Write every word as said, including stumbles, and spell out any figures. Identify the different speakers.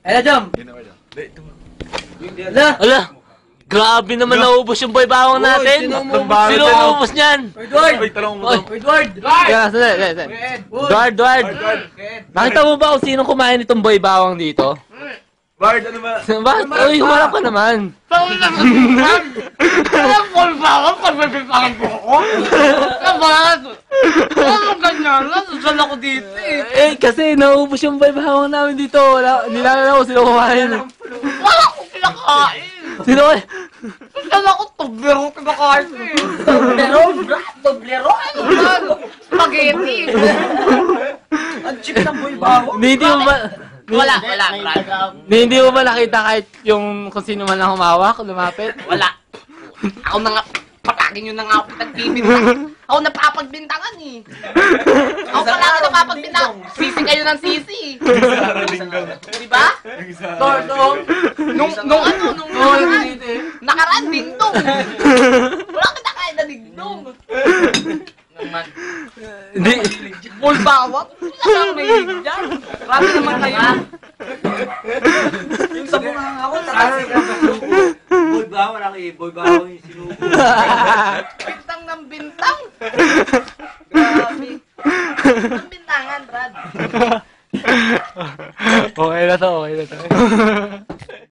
Speaker 1: Ay na, Jom!
Speaker 2: Ala! Ala! Grabe naman naubos yung boy bawang natin! Sino ubos niyan?
Speaker 1: Edward!
Speaker 3: Ay, talong mo.
Speaker 1: Edward!
Speaker 2: Kaya, sandali, sandali. Edward, Edward! Nakita mo ba kung sino kumain nitong boy bawang dito?
Speaker 3: Bard, ano ba?
Speaker 2: Bakit? Uy, humarap ka naman!
Speaker 4: Saan na naman? Alam ko ba ako? Pagbabipangan ko ako? Naman! Ano ganyan? Nasusan ako dito eh.
Speaker 2: Eh, kasi naubos yung boy bawang namin dito. Wala, nilala ko sino kumain.
Speaker 4: Wala akong kinakain.
Speaker 2: Sino kumain?
Speaker 4: Saan ako tublero kinakain eh.
Speaker 1: Doblero? Doblero? Ano ba?
Speaker 4: Spaghetti.
Speaker 1: Ang cheap ng boy bawang.
Speaker 2: Hindi mo ba...
Speaker 4: Wala, wala, wala.
Speaker 2: Hindi mo ba nakita kahit yung kung sino man lang humawak, lumapit?
Speaker 4: Wala. Ako na nga, patagin yun na nga ako nagpipintangan. Ako napapagbintangan eh. Ako pala ako napapagbintangan. Sisi kayo ng sisi. Diba?
Speaker 1: Tordong!
Speaker 4: Nung, nung ano, nung nakaraan. Nakaraan, dingdong. Wala ka na kahit na dingdong. Naman.
Speaker 2: Hindi.
Speaker 4: Boy bawang? Wala kang mahilig dyan. Grabe naman kayo.
Speaker 1: Yung sa bunga ako, takasi ka. Boy bawang, laki. Boy bawang yung sinubo.